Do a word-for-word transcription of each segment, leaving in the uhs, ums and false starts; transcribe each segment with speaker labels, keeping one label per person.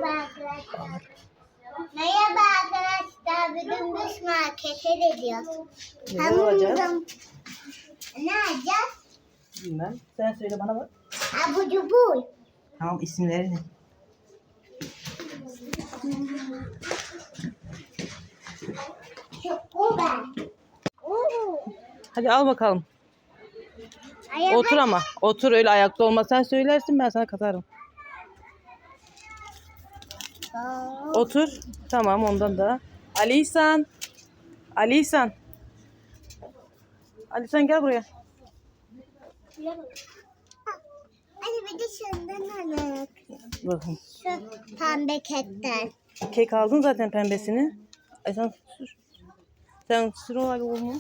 Speaker 1: Merhaba arkadaşlar. Merhaba arkadaşlar. Bugün biz markete gidiyoruz.
Speaker 2: Ne alacağız?
Speaker 1: Ne alacağız?
Speaker 2: Bilmem. Sen söyle bana bak.
Speaker 1: Abur cubur.
Speaker 2: Tamam, isimleri ne?
Speaker 1: Çukuber.
Speaker 2: Hadi al bakalım.
Speaker 1: Araba.
Speaker 2: Otur ama. Otur, öyle ayakta olma. Sen söylersin, ben sana katarım. Otur. Tamam, ondan da. Ali İhsan. Ali İhsan. Ali İhsan gel buraya.
Speaker 1: Hadi bir de şundan alalım.
Speaker 2: Bakın.
Speaker 1: Şu pembe ketten.
Speaker 2: Kek aldın zaten pembesini. Ay sen sür. Sen sür o Ali olma.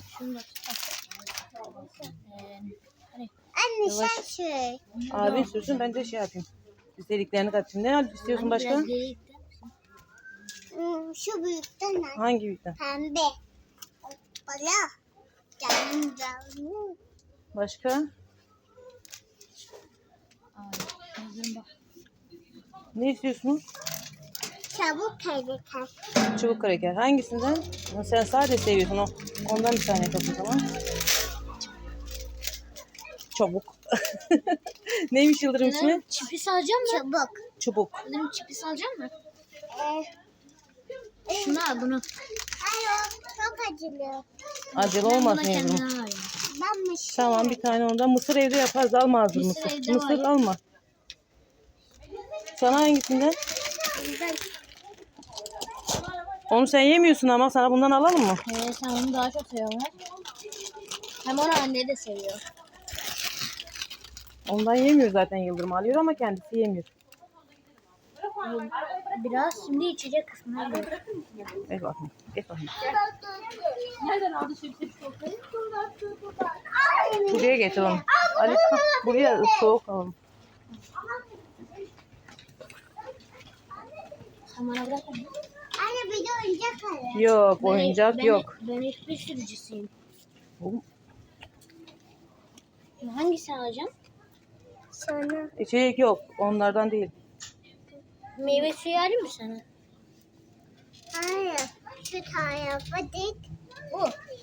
Speaker 1: Anne
Speaker 2: Yavaş.
Speaker 1: sen şey.
Speaker 2: Abi sürsün, ben de şey yapayım. İstediklerini katayım. Ne al istiyorsun başka?
Speaker 1: Hmm, Şu büyükten al.
Speaker 2: Hangi büyükten?
Speaker 1: Pembe. Bala. Canım canım.
Speaker 2: Başka? Ne istiyorsunuz?
Speaker 1: Çabuk tehlikeli.
Speaker 2: Çubuk kraker. Hangisinden? Ama sen sade seviyorsun o. Ondan bir tane kapın, tamam. Çabuk. Neymiş Yıldırım ismi?
Speaker 3: Çipis alacağım mı?
Speaker 1: Çabuk.
Speaker 2: Çubuk.
Speaker 3: Yıldırım çipis alacağım mı?
Speaker 1: Ee,
Speaker 3: Şunu al bunu.
Speaker 1: Hayır, çok acılı.
Speaker 2: Acele
Speaker 3: Ben
Speaker 2: olmasın
Speaker 3: buna
Speaker 2: Yıldırım.
Speaker 3: kendine alayım.
Speaker 1: Ben mi şey?
Speaker 2: Tamam, bir tane ondan. Mısır evde yaparız. Alma hazır
Speaker 3: Mısır
Speaker 2: mısır.
Speaker 3: evde
Speaker 2: Mısır
Speaker 3: var.
Speaker 2: alma. Sana hangisinden?
Speaker 1: Ben
Speaker 2: Onu sen yemiyorsun ama sana bundan alalım mı?
Speaker 3: Ee, sen onu daha çok seviyorsun. Hem onu anne de seviyor.
Speaker 2: Ondan yemiyor zaten Yıldırım, alıyor ama kendisi yemiyor.
Speaker 3: Biraz şimdi içecek kısmına gel.
Speaker 2: Geç bakayım. Geç bakayım.
Speaker 3: Nereden aldı çipsi çikolatayı?
Speaker 2: Buraya getir onu. Ali, buraya soğuk alalım.
Speaker 3: Sen bana bırak onu.
Speaker 1: Anne bir de oyuncak alın.
Speaker 2: Yok,
Speaker 3: Ben-
Speaker 2: oyuncak
Speaker 3: ben-
Speaker 2: yok.
Speaker 3: Ben hiçbir sürücüsüyüm.
Speaker 2: Oğlum,
Speaker 3: Hangisini alacağım?
Speaker 1: Sana.
Speaker 2: İçecek yok. Onlardan değil.
Speaker 3: Meyve suyu alayım mı sana?
Speaker 1: Hayır. Şu tarafa dik. Bu.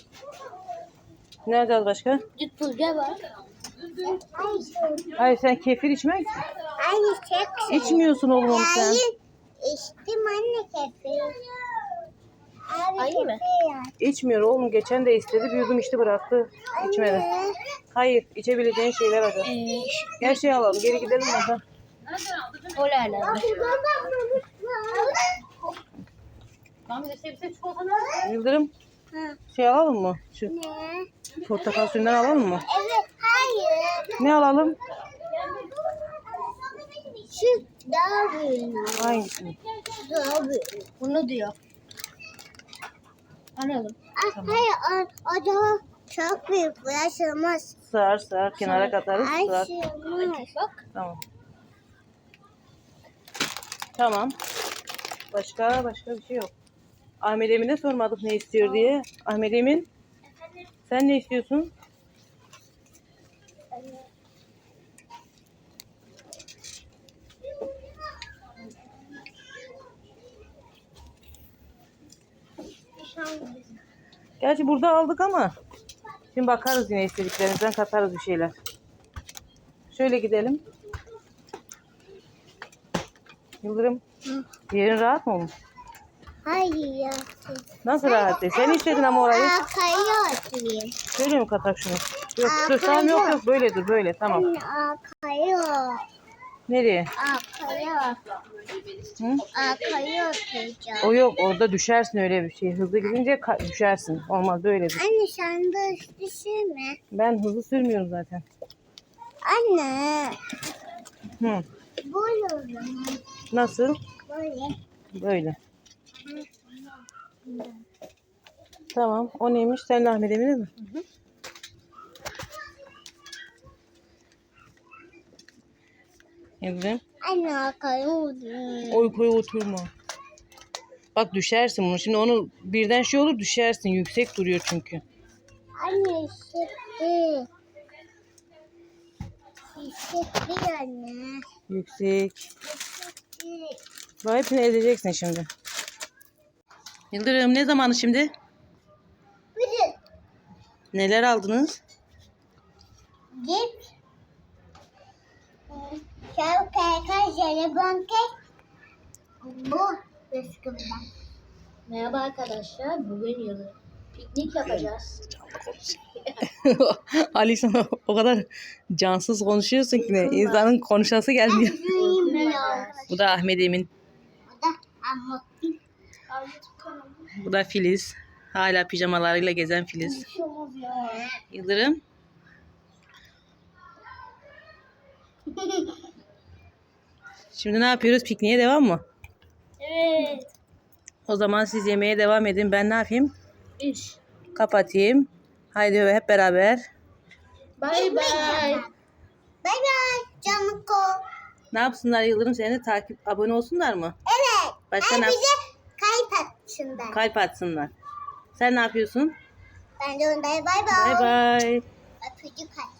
Speaker 2: Ne alacağız başka?
Speaker 3: Düt pulga var.
Speaker 1: Ay,
Speaker 2: Hayır, sen kefir içmek
Speaker 1: Anne çok şey.
Speaker 2: içmiyorsun oğlum onu sen.
Speaker 1: Hayır. İçtim anne kefir. Abi
Speaker 3: Ayı mı?
Speaker 1: kefir ya.
Speaker 2: İçmiyor oğlum. Geçen de istedi. Bir yudum içti, bıraktı. İçmedi.
Speaker 1: Anne.
Speaker 2: Hayır. içebileceğin şeyler var.
Speaker 3: Ee,
Speaker 2: Her şeyi alalım. Geri gidelim oradan.
Speaker 3: o lale.
Speaker 2: Yıldırım,
Speaker 1: Ha.
Speaker 2: şey alalım mı? Şu
Speaker 1: Ne?
Speaker 2: portakal suyundan alalım mı?
Speaker 1: Evet. Hayır.
Speaker 2: Ne alalım?
Speaker 1: Şu daha büyük.
Speaker 2: Hangisini?
Speaker 1: Daha büyük.
Speaker 3: Bunu diyor. Alalım.
Speaker 1: Ah, hayır. O, o daha çok büyük. Bulaşılmaz.
Speaker 2: Sığar sığar. Kenara katarız.
Speaker 1: Ay
Speaker 2: Sığar.
Speaker 1: sığmaz.
Speaker 3: Bak.
Speaker 2: Tamam. Tamam. Başka başka bir şey yok. Ahmet Emin'e sormadık ne istiyor diye. Ahmet Emin, sen ne istiyorsun? Gerçi burada aldık ama şimdi bakarız, yine istediklerimizden katarız bir şeyler. Şöyle gidelim. Yıldırım,
Speaker 1: Hı.
Speaker 2: yerin rahat mı oğlum?
Speaker 1: Hayır ya.
Speaker 2: Nasıl rahat değil? Sen istedin ama orayı.
Speaker 1: Arkaya oturayım.
Speaker 2: Şöyle mi katak şunu? Yok
Speaker 1: Aa,
Speaker 2: dur, tamam, yok
Speaker 1: kayıyor.
Speaker 2: yok, böyle dur, böyle tamam.
Speaker 1: Anne arkaya.
Speaker 2: Nereye?
Speaker 1: Arkaya.
Speaker 2: Hı?
Speaker 1: Arkaya oturacağım.
Speaker 2: O yok, orada düşersin, öyle bir şey. Hızlı gidince ka- düşersin. Olmaz, böyle dur.
Speaker 1: Anne sen de düşünme.
Speaker 2: Ben hızlı sürmüyorum zaten.
Speaker 1: Anne.
Speaker 2: Hı.
Speaker 1: Böyle o zaman.
Speaker 2: Nasıl?
Speaker 1: Böyle.
Speaker 2: Böyle. Tamam. O neymiş? Sen de Ahmet Emin'e mi? Hı hı. Evet.
Speaker 1: Anne arkaya oturayım.
Speaker 2: Oy koy, oturma. Bak düşersin bunu. Şimdi onu birden şey olur, düşersin. Yüksek duruyor çünkü.
Speaker 1: Anne hissetti. Hissetti anne.
Speaker 2: Yüksek.
Speaker 1: Hissetti.
Speaker 2: Bu hepsini ezeceksin şimdi. Yıldırım ne zamanı şimdi?
Speaker 1: Bugün
Speaker 2: Neler aldınız?
Speaker 1: cips, şarkı, jelibon kek, bu bisküviden.
Speaker 3: Merhaba arkadaşlar. Bugün yılı piknik yapacağız.
Speaker 2: Ali sana o kadar cansız konuşuyorsun ki ne? İnsanın konuşası gelmiyor. Bu da Ahmet Emin.
Speaker 1: Bu da Ahmet.
Speaker 2: Bu da Filiz. Hala pijamalarıyla gezen Filiz. Yıldırım. Şimdi ne yapıyoruz? Pikniğe devam mı?
Speaker 3: Evet.
Speaker 2: O zaman siz yemeğe devam edin. Ben ne yapayım?
Speaker 3: İş.
Speaker 2: Kapatayım. Haydi hep beraber.
Speaker 3: Bye bye.
Speaker 1: Bay bay canım ko.
Speaker 2: Ne yapsınlar Yıldırım? Seni de takip, abone olsunlar mı?
Speaker 1: Evet.
Speaker 2: Başka
Speaker 1: Ay
Speaker 2: ne
Speaker 1: bize
Speaker 2: yap-
Speaker 1: kayıp atsınlar.
Speaker 2: Kalp atsınlar. Sen ne yapıyorsun?
Speaker 1: Ben de ondaya bay bay.
Speaker 2: Bay bay.
Speaker 1: Öpücük at.